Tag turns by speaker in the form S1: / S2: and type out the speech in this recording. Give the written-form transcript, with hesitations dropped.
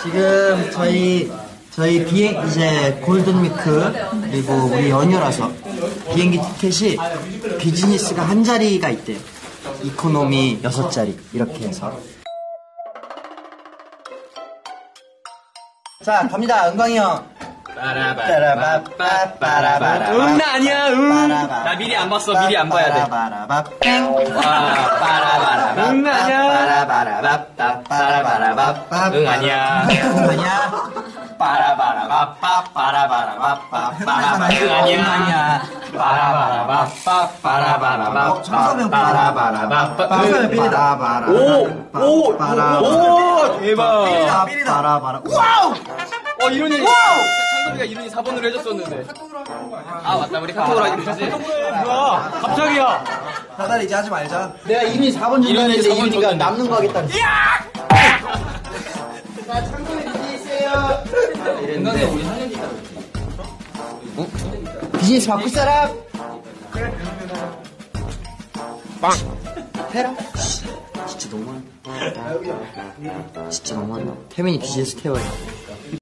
S1: 지금 저희 비행 이제 골든위크 그리고 우리 연휴라서 비행기 티켓이 비즈니스가 한 자리가 있대요. 이코노미 6자리 이렇게 해서. 자 갑니다. 은광이 형.
S2: 나 아니야. 나 미리 안 봤어. 미리 안 봐야 돼. 응 아니야. 응 아니야. 대박.
S1: 삐리다. 와우.
S2: 이룬이 창섭이가 이룬이 4번으로 해줬었는데. 아 맞다 우리 카톡으로 하기로 했지. 뭐야 갑자기야.
S1: 다들 이제 하지 말자. 내가 이룬이 4번 준다는데 이룬이가 남는 거 하겠다는. 자 창섭이 비즈니스예요.
S2: 건강에 우리 3년이니까.
S1: 비즈니스 바꿀 사람? 빵! 해라? 진짜 너무한다. 진짜 너무한다. 태민이 비즈니스 태워야 돼.